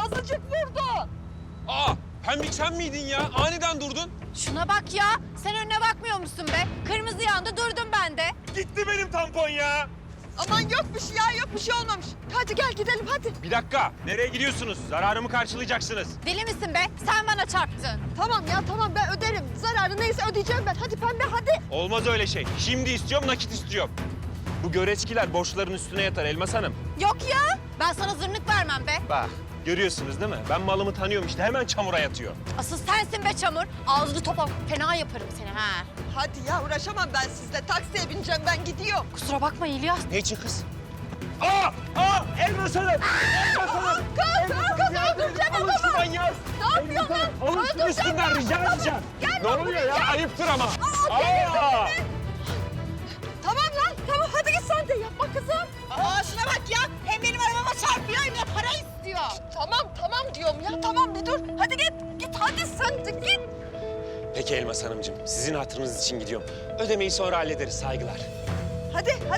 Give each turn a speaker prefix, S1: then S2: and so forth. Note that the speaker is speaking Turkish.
S1: azıcık vurdu.
S2: Aa, Pembik sen miydin ya? Aniden durdun.
S3: Şuna bak ya. Sen önüne bakmıyor musun be? Kırmızı yandı durdum ben de.
S2: Gitti benim tampon ya.
S1: Aman yok bir şey ya, yok bir şey olmamış. Hadi gel gidelim hadi.
S2: Bir dakika. Nereye gidiyorsunuz? Zararımı karşılayacaksınız.
S3: Deli misin be? Sen bana çarptın.
S1: Tamam ya tamam, ben öderim. Zararı neyse ödeyeceğim ben. Hadi Pembe hadi.
S2: Olmaz öyle şey. Şimdi istiyorum, nakit istiyorum. Bu göreçkiler borçların üstüne yatar Elmas Hanım.
S3: Yok ya. Ben sana zırnık vermem be.
S2: Bak, görüyorsunuz değil mi? Ben malımı tanıyorum işte. Hemen çamura yatıyor.
S3: Asıl sensin be çamur. Ağzını topa fena yaparım seni ha.
S1: Hadi ya, uğraşamam ben sizle. Taksiye bineceğim, ben gidiyorum.
S3: Kusura bakma İlyas.
S2: Ne için kız? Aa! Elmas Hanım! Elmas Hanım!
S1: Kız öldüreceğim
S2: Alın şu manyağı!
S1: Ne yapıyorsun lan?
S2: Alın şunu üstünden, rica edeceğim. Ne oluyor ya? Ayıptır ama. Aa!
S1: Tamam lan, tamam hadi git sen de yapma kızım.
S3: Aa şuna bak ya. Hem benim arabama çarpıyor hem de para istiyor.
S1: Tamam diyorum ya, tamam bir dur. Hadi git hadi sen de git.
S2: Peki Elmas Hanımcığım, sizin hatırınız için gidiyorum. Ödemeyi sonra hallederiz, saygılar.
S1: Hadi